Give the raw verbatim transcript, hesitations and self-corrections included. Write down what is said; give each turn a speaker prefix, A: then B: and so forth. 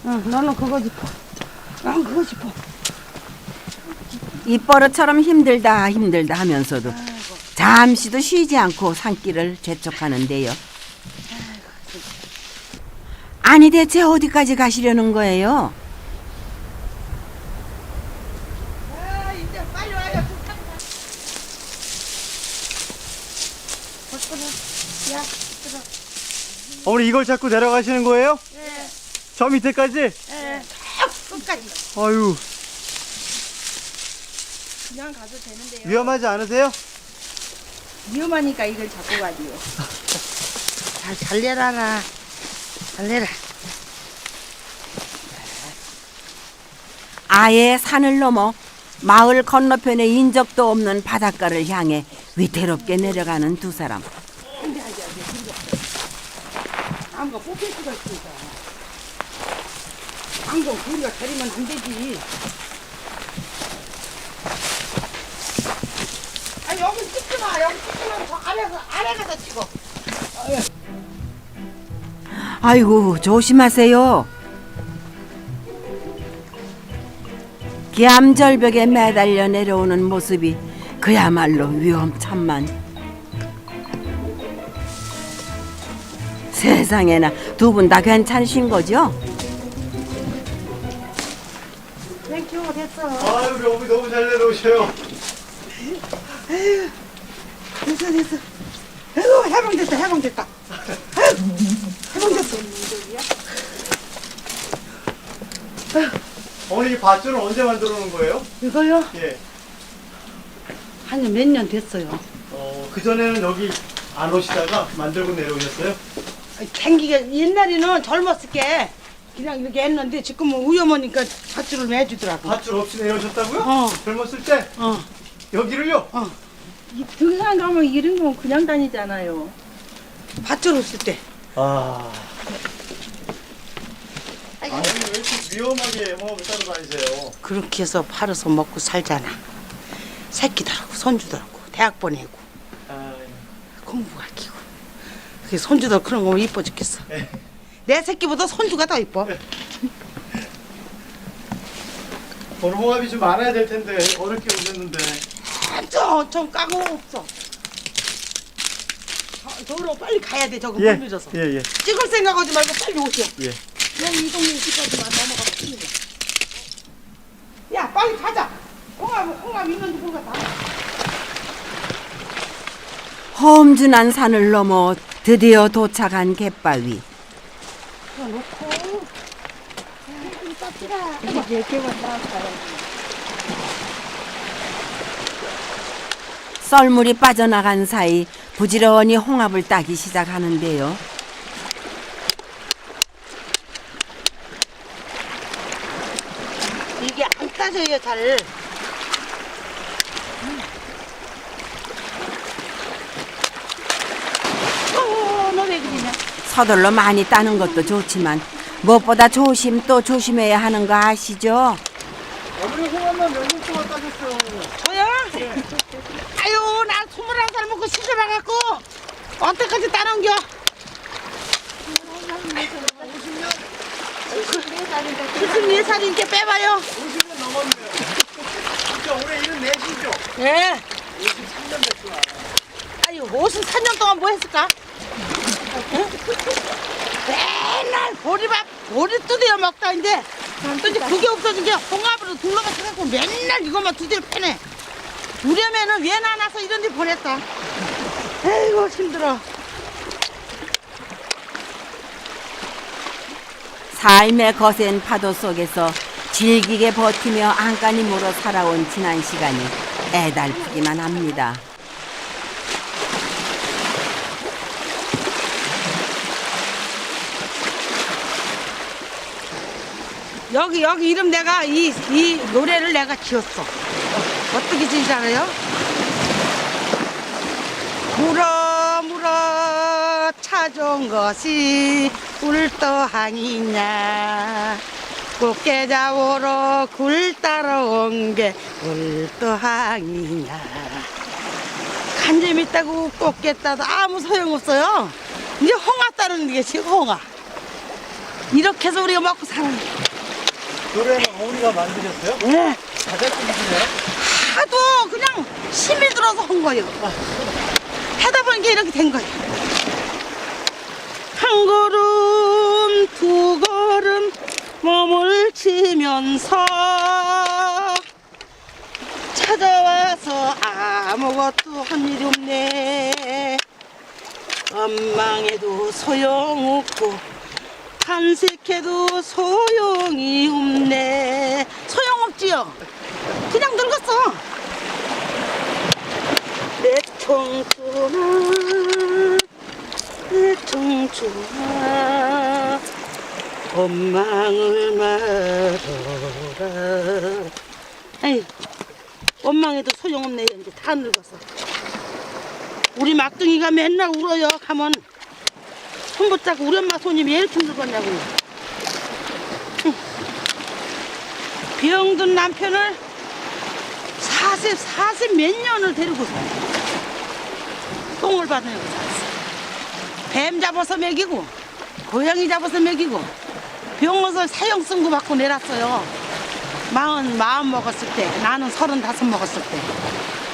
A: 응, 너는 그거 짚어. 난 그거 짚어.
B: 입버릇처럼 힘들다 힘들다 하면서도 잠시도 쉬지 않고 산길을 재촉하는데요. 아니 대체 어디까지 가시려는 거예요?
A: 아, 이제 빨리 와요. 야, 들어.
C: 어머니 이걸 자꾸 내려가시는 거예요?
A: 네.
C: 저 밑에까지?
A: 네. 끝까지.
C: 아유,
A: 그냥 가도 되는데요.
C: 위험하지 않으세요?
A: 위험하니까 이걸 잡고 가지요. 잘, 잘 내라라. 잘 내라.
B: 아예 산을 넘어 마을 건너편에 인적도 없는 바닷가를 향해 위태롭게 내려가는 두 사람.
A: 나무가 뽑힐 수가 있으니까. 방금 우리가 가리면 안 되지. 아니, 여기 찍지 마. 여기 찍으면 저 아래서, 아래 가서 찍어.
B: 아이고 조심하세요. 기암절벽에 매달려 내려오는 모습이 그야말로 위험천만. 세상에나 두 분 다 괜찮으신 거죠?
A: 땡큐, 됐어.
C: 아유, 우리 어머니 너무 잘 내려오셔요.
A: 됐어, 됐어. 아이고, 해방됐다, 해방됐다. 아이고, 해방됐어.
C: 어머니 이 밧줄은 언제 만들어 놓은 거예요?
A: 이거요?
C: 예.
A: 한 몇 년 됐어요.
C: 어, 그전에는 여기 안 오시다가 만들고 내려오셨어요?
A: 생기게 옛날에는 젊었을 게 그냥 이렇게 했는데 지금은 위험하니까 밧줄을 매주더라고.
C: 밧줄 없이 내려오셨다고요?
A: 어.
C: 젊었을 때?
A: 어,
C: 여기를요?
A: 어.
D: 이 등산 가면 이런 건 그냥 다니잖아요.
A: 밧줄 없을 때.
C: 아. 아니, 왜 이렇게 위험하게 영업을 따로 다니세요?
A: 그렇게 해서 팔아서 먹고 살잖아. 새끼들하고 손주들하고 대학 보내고
C: 아,
A: 공부 가르치고. 그 손주들 그런 거 이뻐 죽겠어.
C: 예.
A: 내 새끼보다 손주가 더 이뻐.
C: 오늘 홍합이 좀 많아야 될 텐데 어렵게 오셨는데.
A: 좀, 좀 까고 없어. 저- 저로 빨리 가야 돼. 저거
C: 예,
A: 못 밀어서.
C: 예, 예,
A: 찍을 생각하지 말고 빨리 오세요.
C: 예.
A: 여기 이 동네 집까지만 넘어가면 큰일이야. 야, 빨리 가자. 홍합, 홍합 있는지 모르겠다.
B: 험준한 산을 넘어 드디어 도착한 갯바위.
A: 놓고.
D: 이게 개만 나왔어요.
B: 썰물이 빠져나간 사이 부지런히 홍합을 따기 시작하는데요.
A: 이게 안 따져요, 잘. 어, 너 왜 그러냐?
B: 서둘러 많이 따는 것도 좋지만 무엇보다 조심 또 조심해야 하는 거 아시죠?
C: 어머니 홍합만 몇 년 동안 따셨어요?
A: 저요? 아유, 나 스물한 살 먹고 시집 와갖고 언제까지 따는겨? 칠십네 살인데 빼봐요.
C: 오십 년 넘었네요. 진짜 올해 일흔 넷이죠?
A: 예.
C: 오십삼 년 됐구나.
A: 아유, 오십사 년 동안 뭐 했을까? 응? 맨날 보리밥, 보리 두드려 먹다 이제 또 이제 그게 없어진 게 홍합으로 둘러가셔갖고 맨날 이것만 두드려 패네. 우려면은 왜 나나서 이런 데 보냈다. 아이고, 힘들어.
B: 삶의 거센 파도 속에서 질기게 버티며 안간힘으로 살아온 지난 시간이 애달프기만 합니다.
A: 여기 여기 이름 내가 이, 이 노래를 내가 지었어. 어떻게 지은지 알아요? 물어 물어 찾아온 것이 울떠항이냐, 꽃게 잡으러 굴 따라온 게 울떠항이냐. 간잼 있다고 꽃게 따도 아무 소용없어요. 이제 홍화 따르는 게 지금 홍화. 이렇게 해서 우리가 먹고 살아요.
C: 노래는 어머니가 만드셨어요?
A: 예.
C: 자작곡이시네요?
A: 하도 그냥 힘이 들어서 한 거예요. 하다 보니까 이렇게 된 거예요. 한 걸음 두 걸음 몸을 치면서 찾아와서 아무것도 한 일이 없네. 원망해도 소용없고 간색해도 소용이 없네. 소용없지요. 그냥 늙었어. 내 청춘아, 내 청춘아, 원망을 말아라. 에이, 원망해도 소용없네. 이제 다 늙었어. 우리 막둥이가 맨날 울어요. 하면 손 붙잡고 우리 엄마 손이 왜 이렇게 늙었냐고. 병든 남편을 사십, 사십 몇 년을 데리고 똥을 받으려고 살았어. 뱀 잡아서 먹이고, 고양이 잡아서 먹이고, 병원서 사형 선고 받고 내놨어요. 마흔, 마흔 먹었을 때, 나는 서른다섯 먹었을 때.